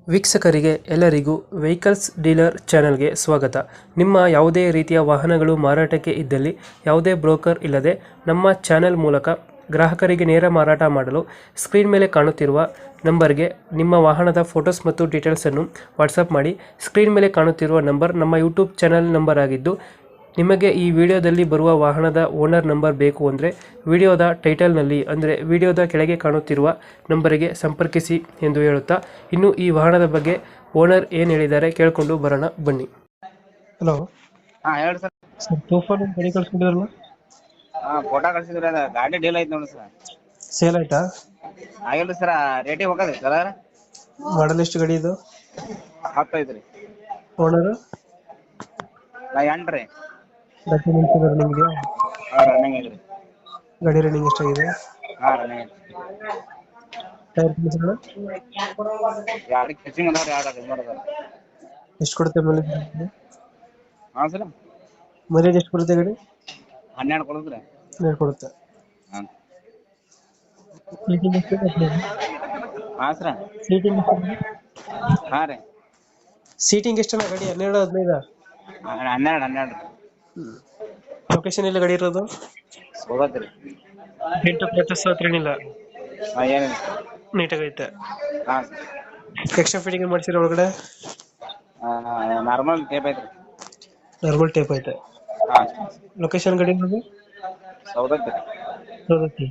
ವೀಕ್ಷಕರಿಗೆ ಎಲ್ಲರಿಗೂ vehicles dealer ಚಾನೆಲ್ಗೆ ಸ್ವಾಗತ. ನಿಮ್ಮ ಯಾವುದೇ ರೀತಿಯ ವಾಹನಗಳು ಮಾರಾಟಕ್ಕೆ ಇದ್ದಲ್ಲಿ ಯಾವುದೇ ಬ್ರೋಕರ್ ಇಲ್ಲದೆ ನಮ್ಮ ಚಾನೆಲ್ ಮೂಲಕ ಗ್ರಾಹಕರಿಗೆ ನೇರ ಮಾರಾಟ ಮಾಡಲು ಸ್ಕ್ರೀನ್ ಮೇಲೆ ಕಾಣುತ್ತಿರುವ ನಂಬರ್ಗೆ ನಿಮ್ಮ ವಾಹನದ ಫೋಟೋಸ್ ಮತ್ತು ಡೀಟೇಲ್ಸನ್ನು ವಾಟ್ಸಪ್ ಮಾಡಿ. ಸ್ಕ್ರೀನ್ ಮೇಲೆ ಕಾಣುತ್ತಿರುವ ನಂಬರ್ ನಮ್ಮ ಯೂಟ್ಯೂಬ್ ಚಾನೆಲ್ ನಂಬರ್ ಆಗಿದ್ದು, ನಿಮಗೆ ಈ ವಿಡಿಯೋದಲ್ಲಿ ಬರುವ ವಾಹನದ ಓನರ್ ನಂಬರ್ ಬೇಕು ಅಂದರೆ ವಿಡಿಯೋದ ಟೈಟಲ್ನಲ್ಲಿ ಅಂದರೆ ವಿಡಿಯೋದ ಕೆಳಗೆ ಕಾಣುತ್ತಿರುವ ನಂಬರಿಗೆ ಸಂಪರ್ಕಿಸಿ ಎಂದು ಹೇಳುತ್ತಾ, ಇನ್ನು ಈ ವಾಹನದ ಬಗ್ಗೆ ಓನರ್ ಏನು ಹೇಳಿದ್ದಾರೆ ಕೇಳಿಕೊಂಡು ಬರೋಣ ಬನ್ನಿ. ಹಲೋ ಹಾ ಹೇಳ್ರಿ ಸರ್. ಸರ್, ತೂಫಾನ್ ಒಂದು ಗಾಡಿ ಕಳಿಸ್ಕೊಂಡಿದ್ರಲ್ಲ, ಫೋಟೋ ಕಳ್ಸಿದ್ರಿ. ಅದ ಗಾಡಿ ಡೀಲ್ ಐತಿ ನೋಡಿ ಸರ್. ಸೇಲ್ ಆಯ್ತಾ? ಆಗಿಲ್ರಿ ಸರ್, ರೇಟಿಗೆ ಹೋಗದ್ರಿ ಸರ್. ಮಾಡಲ್ ಎಷ್ಟು ಗಾಡಿ ಇದು? 10 ಐತ್ರಿ. ಓನರ್ ನಾ 8 ರೀ. ಡಾಕ್ಯುಮೆಂಟ್ಸ್ ಇದೆ ನಿಮಗೆ? ರನ್ನಿಂಗ್ ಐತ್ರಿ. ಗಾಡಿ ರನ್ನಿಂಗ್ ಎಷ್ಟಾಗಿದೆ? ರನ್ನಿಂಗ್ ಐತ್ರಿ. ಟೈರ್ ಕಂಡೀಷನ್ ಯಾರು ಕಿಚಿಂಗ್ ಅದಾವ್ರಿ, ಯಾರು ಮಾಡೋದಾರ. ಎಷ್ಟು ಕೊಡುತ್ತೆ ಮೈಲೇಜ್? ಹಾ ಸರ್, ಮೈಲೇಜ್ ಎಷ್ಟು ಕೊಡುತ್ತೆ ಗಾಡಿ? 12 ಕೊಡುದ್ರಿ. ಕೊಡುತ್ತೆ. ಹಾ ಸೀಟಿಂಗ್ ಎಷ್ಟು? ಹಾ ಸರ್. ಸೀಟಿಂಗ್ ಹಾ ರೀ. ಸೀಟಿಂಗ್ ಎಷ್ಟಣ್ಣ ಗಾಡಿ? 12 15? 12 ಲೊಕೇಶನ್ ಎಲ್ಲ ಗಾಡಿ ಇರೋದು? ಹೋಗತ್ರಿ. ಡೆಂಟು ಕ್ರಚಸ್ ಹತ್ರ ಏನಿಲ್ಲ? ಏನಿಲ್ಲ ಸರ್. ನೀಟಾಗೈತೆ. ಹಾ ಎಕ್ಸ್ಟ್ರಾ ಫಿಟ್ಟಿಂಗ್ ಮಾಡ್ಸಿರೋ ಒಳಗಡೆ? ನಾರ್ಮಲ್ ಟೇಪ್ ಐತ್ರಿ. ನಾರ್ಮಲ್ ಟೇಪ್ ಐತೆ. ಹಾ ಲೊಕೇಶನ್ ಗಾಡಿ ಇರೋದು? ಸೌದತ್ರಿ. ಸೌದತ್ತಿ.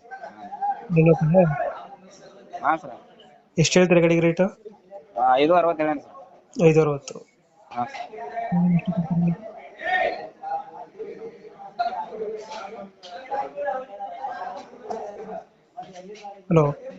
ಹಾ ಸರ್. ಎಷ್ಟು ಹೇಳ್ತೀರಾ ಗಾಡಿಗೆ ರೇಟು? 5.60 ಹೇಳೇನಿ ಸರ್. 560. ಹಾ ಹಲೋ,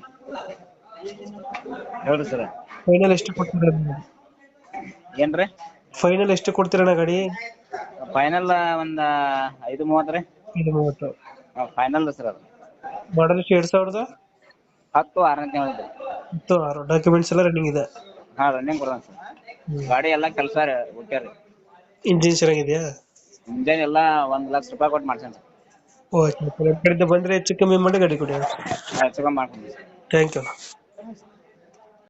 ಹೇಳ್ರಿ ಸರ್. ಫೈನಲ್ ಎಷ್ಟು ಕೊಡ್ತೀರಾ? ಏನ್ರಿ? ಫೈನಲ್ ಎಷ್ಟು ಕೊಡ್ತೀರಣ್ಣ ಗಾಡಿ? ಫೈನಲ್ ಒಂದ್ 5.30 ರೀ. 30. Final sir. ಅದು ಮಾಡಲ್ ಎಷ್ಟು? 2010 6ನೇ ತಿಂಗಳು. 6. ಡಾಕ್ಯುಮೆಂಟ್ಸ್ ಎಲ್ಲ ರನ್ನಿಂಗ್ ಇದೆ? ಹಾ ರನ್ನಿಂಗ್ ಕೊಡೋಣ ಸರ್. ಗಾಡಿ ಎಲ್ಲಾ ಕೆಲಸ ಓಕೆ ರೀ. ಇಂಜಿನ್ ಚೆನ್ನಾಗಿದೆಯಾ? ಇಂಜನ್ ಎಲ್ಲ 1 ಲಕ್ಷ ರೂಪಾಯಿ ಕೊಟ್ಟು ಮಾಡ್ಸೇನಿ ಸರ್. ಓಕೆ, ಕಡೆಯಿಂದ ಬಂದರೆ ಹೆಚ್ಚು ಕಮ್ಮಿ ಮಾಡಿ ಗಾಡಿ ಕೊಡಿ. ಹೆಚ್ಚು ಕಮ್ಮಿ ಮಾಡ್ತೀನಿ ಸರ್. Thank you.